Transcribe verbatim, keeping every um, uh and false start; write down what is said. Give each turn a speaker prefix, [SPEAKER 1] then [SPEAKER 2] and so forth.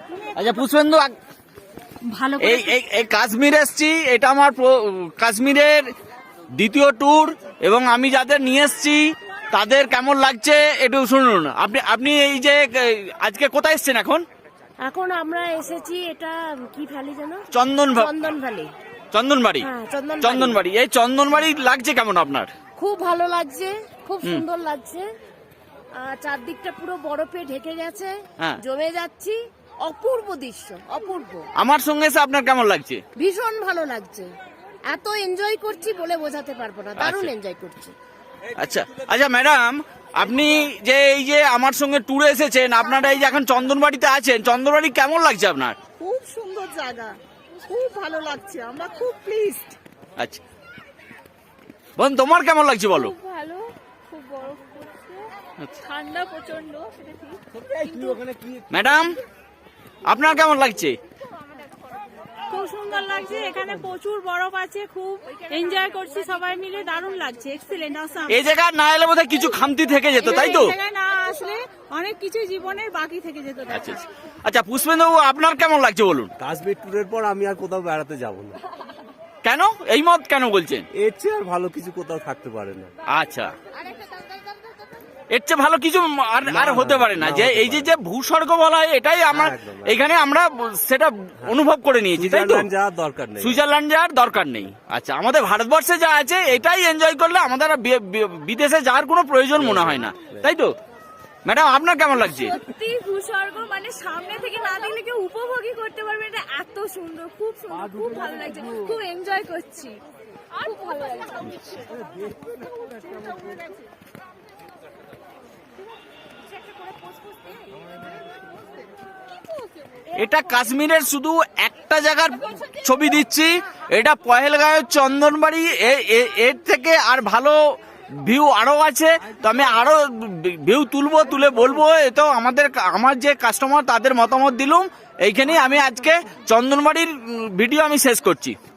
[SPEAKER 1] আচ্ছা পুষ্পেন্দু,
[SPEAKER 2] ভালো
[SPEAKER 1] এই এই কাশ্মীর এসছি, এটা আমার কাশ্মীরের দ্বিতীয় ট্যুর, এবং আমি যাদের নিয়ে এসছি তাদের কেমন লাগছে একটু শুনুন। আপনি আপনি এই যে আজকে কোথায় এসছেন এখন?
[SPEAKER 2] এখন আমরা এসেছি, এটা কি ভ্যালি যেন?
[SPEAKER 1] চন্দন
[SPEAKER 2] চন্দন ভ্যালি।
[SPEAKER 1] চন্দনবাড়ি।
[SPEAKER 2] হ্যাঁ, চন্দনবাড়ি।
[SPEAKER 1] চন্দনবাড়ি। এই চন্দনবাড়ি লাগছে কেমন আপনার?
[SPEAKER 2] খুব ভালো লাগছে, খুব সুন্দর লাগছে। আর চারদিকটা পুরো বরফে ঢেকে গেছে,
[SPEAKER 1] হ্যাঁ।
[SPEAKER 2] জমে যাচ্ছি, অপূর্ব দৃশ্য, অপূর্ব।
[SPEAKER 1] আমার সঙ্গে এসে আপনার কেমন লাগছে?
[SPEAKER 2] ভীষণ ভালো লাগছে, এত এনজয় করছি বলে বোঝাতে পারবো না, দারুণ
[SPEAKER 1] আচ্ছা।
[SPEAKER 2] এনজয় করছি।
[SPEAKER 1] আচ্ছা আচ্ছা ম্যাডাম, আপনি যে এই যে আমার সঙ্গে ট্যুরে এসেছেন, আপনারা এই যে এখন চন্দনবাড়িতে আছেন, চন্দনবাড়ি কেমন লাগছে আপনার?
[SPEAKER 3] খুব সুন্দর জায়গা, খুব ভালো লাগছে, আমরা খুব প্লিজড।
[SPEAKER 1] আচ্ছা বোন, তোমার কেমন লাগছে বলো?
[SPEAKER 4] খুব ভালো, খুব বরফ পড়ছে, ঠান্ডা প্রচন্ড, সেটা ঠিক।
[SPEAKER 1] ম্যাডাম, আপনার কেমন লাগছে?
[SPEAKER 4] খুব সুন্দর লাগছে, এখানে প্রচুর বরফ আছে, খুব এনজয় করছি সবাই মিলে, দারুণ লাগছে, এক্সিলেন্ট, অসাম।
[SPEAKER 1] এই জায়গায় না এলে বোধহয় কিছু খামতি থেকে যেত, তাই তো?
[SPEAKER 4] এই জায়গায় না আসলে অনেক কিছু জীবনের বাকি থেকে যেত।
[SPEAKER 1] আচ্ছা আচ্ছা। আচ্ছা পুষ্পেন্দু, আপনার কেমন লাগছে বলুন?
[SPEAKER 5] কাশ্মীর ট্যুরের পর আমি আর কোথাও বেড়াতে যাব না।
[SPEAKER 1] কেন এই মত কেন বলছেন?
[SPEAKER 5] এর চেয়ে আর ভালো কিছু কোথাও থাকতে পারে না।
[SPEAKER 1] আচ্ছা, এর চেয়ে ভালো কিছু আর আর হতে পারে না। যে এই যে যে ভূস্বর্গ বলা হয়, এটাই আমার এখানে আমরা সেটা অনুভব করে নিয়েছি, তাই তো?
[SPEAKER 5] সুইজারল্যান্ড যাওয়ার দরকার নেই।
[SPEAKER 1] সুইজারল্যান্ড যাওয়ার দরকার নেই। আচ্ছা, আমাদের ভারতবর্ষে যা আছে এটাই এনজয় করলে আমাদের আর বি- বি- বিদেশে যাওয়ার কোনো প্রয়োজন মনে হয় না, তাই তো? ম্যাডাম, আপনার কেমন লাগছে?
[SPEAKER 4] সত্যি ভূস্বর্গ মানে সামনে থেকে না দেখলে কেউ উপভোগই করতে পারবে, এটা এত সুন্দর, খুব সুন্দর, খুব ভালো লাগছে, খুব এনজয় করছি, খুব ভালো লাগছে।
[SPEAKER 1] এটা কাশ্মীরের শুধু একটা জায়গার ছবি দিচ্ছি, এটা পহেলগাঁওয়ের চন্দনবাড়ি। এ- এ- এর থেকে আর ভালো ভিউ আরো আছে, তো আমি আরো ভিউ তুলবো, তুলে বলবো। এ তো আমাদের আমার যে কাস্টমার তাদের মতামত দিলুম। এইখানেই আমি আজকে চন্দনবাড়ির ভিডিও আমি শেষ করছি।